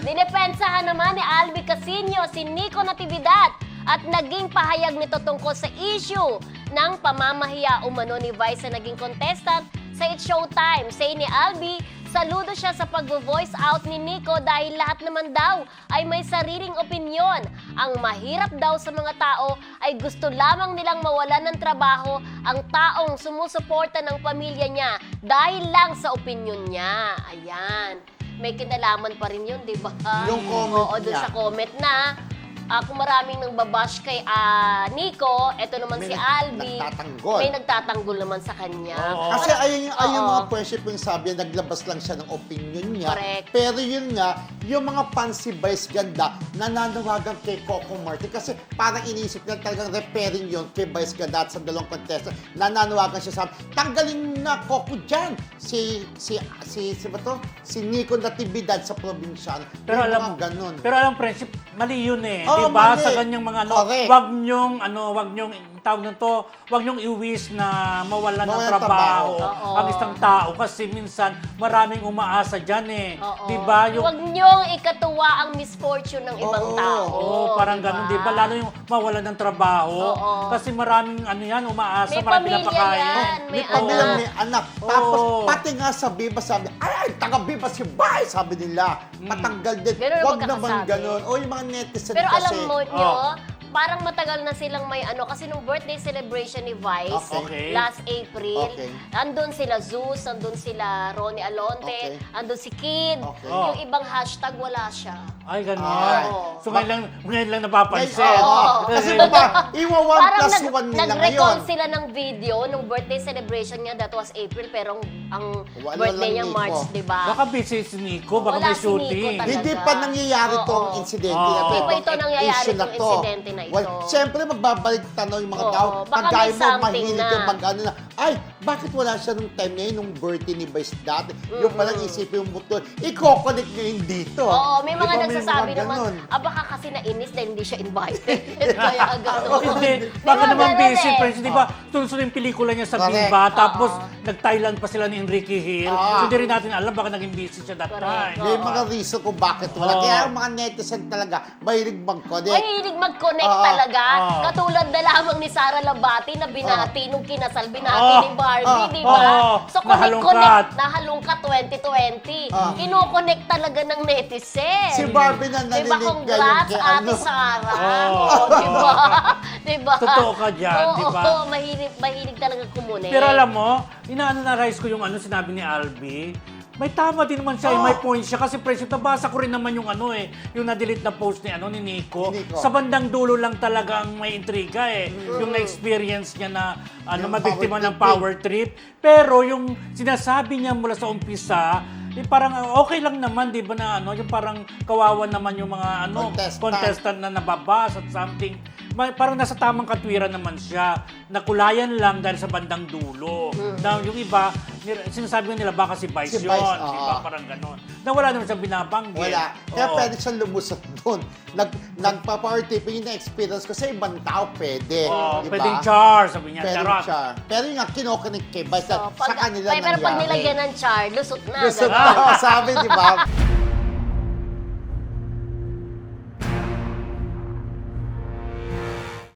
Dinepensahan naman ni Albi Casino si Nico Natividad at naging pahayag nito tungkol sa issue ng pamamahiya umano ni Vice na naging contestant sa It's Showtime. Say ni Albi, saludo siya sa pag-voice out ni Nico dahil lahat naman daw ay may sariling opinyon. Ang mahirap daw sa mga tao ay gusto lamang nilang mawalan ng trabaho ang taong sumusuporta ng pamilya niya dahil lang sa opinyon niya. Ayan. May kinalaman pa rin yun, di ba? Yung comment Oo, dun niya. sa comment na kung maraming nang babash kay Nico, eto naman May si Albi. nagtatanggol. May nagtatanggol naman sa kanya. Kasi ayun yung Oo. mga friendship yung sabi, naglabas lang siya ng opinion niya. Correct. Pero yun nga, yung mga fans si Vice Ganda, nananawagan kay Coco Martin. Kasi parang iniisip niya talagang repairing yun kay Vice Ganda at sa dalawang contestant. Nananawagan siya sa tanggalin na Coco dyan. Si ba to? Si Nico Natividad sa probinsyano. Pero Yung alam mga ganun. Pero alam friendship, mali yun eh. Oo, diba? mali. Sa ganyang mga Correct. wag nyong tawag nito, wag nyong i-wish na mawalan ng Mawalan ng trabaho trabaho. ang isang tao kasi minsan maraming umaasa diyan eh. Oo. Diba? Huwag niyong ikatuwa ang misfortune ng ibang Oo. tao. Oo, parang ganun, di ba? Lalo yung mawalan ng trabaho. Oo. Kasi maraming ano yan, umaasa, May maraming pamilya pinapakain. yan. May May pamilya, anak. may anak. Tapos, Oo. pati nga sa Viva, sabi, ay, taga-Viva si Vice, sabi nila. Matanggal din. Ganun ang Huwag naman pagkakasabi. ganun. O yung mga netizen Pero kasi. alam mo nyo, parang matagal na silang may kasi nung birthday celebration ni Vice, Okay. last April, Okay. andun sila Zeus, andun sila Ronnie Alonte, Okay. andun si Kid, Okay. yung ibang hashtag wala siya. Ay, ganun. Ay. So ngayon lang napapansin. Oo. Kasi diba, iwa 1 Parang plus 1 nila nag-recall ngayon. sila ng video nung birthday celebration niya, that was April, pero ang Wala birthday lang niya Nico. March, di ba? Baka busy si Nico, baka Wala may si Nico shooting. talaga. Hindi pa nangyayari Oo. tong insidente Oo. na to. Hindi pa ito Itong nangyayari, issue na itong to. insidente na ito. Well, siyempre, magbabalik tanong yung mga Oo. tao. Baka Kagaya may mo, something mahilig na. yung mag-ano na, ay, bakit wala siya nung time na yun, nung birthday ni Vice dati? Yung palang isipin yung buto, i-coconnect ngayon dito. Oo, may mga Di ba, nagsasabi mga naman, ganun. baka kasi nainis dahil hindi siya invited. Kaya gano'n. Hindi, Di baka ba naman ganun busy, eh? friends. Di ba, tunso yung pelikula niya sa Correct. Viva, tapos nag-Thailand pa sila ni Enrique Hill. Ah. So, hindi rin natin alam, baka naging busy siya that Correct. time. May mga reason kung bakit wala. Oo. Kaya ang mga netizen talaga, mahilig mag-connect. Mahilig mag-connect Oo. talaga. Oo. Katulad na lamang ni Sara Labati na binati nung kinasal, binati Oo. ni Barbie, Oo. di ba? Oo. So, Nahalungkat. nahalungkat 2020. Oo. Kino-connect talaga ng netizen. Si Barbie na Diba, nalilig ngayon congrats, kay Ate ano. Sara. Oo. Oo, diba? Diba? Totoo ka dyan, Oo, diba? Oo, mahilig talaga kumonect. Pero alam mo, ina-analyze ko yung sinabi ni Albi. May tama din naman siya, may point siya. Kasi presyo, nabasa ko rin naman yung yung na-delete na post ni Nico. Ni Nico. Sa bandang dulo lang talagang may intriga eh. Yung na-experience niya na Yung mabiktima power ng trip. power trip. Pero yung sinasabi niya mula sa umpisa, parang okay lang naman, di ba na yung parang kawawa naman yung mga contestant na nababas at something. Parang nasa tamang katwiran naman siya. Nakulayan lang dahil sa bandang dulo. Na yung iba, sinasabi nila baka si Vice Si yun. Vice, Di ba? Parang ganon. Na wala naman siyang binabanggit. Wala. Kaya Oo. pwede siyang lumusot doon. Nagpa-power tripping yung na-experience ko sa ibang tao, pwede. Oo, Di ba? pwedeng char, sabi niya. Pwede Charot. siya. Pero yung nga, kinokonek kay Vice, So, sa kanila pero pag nangyari. nilagyan ng char, lusot na. Gusto ganun. sabi, di ba?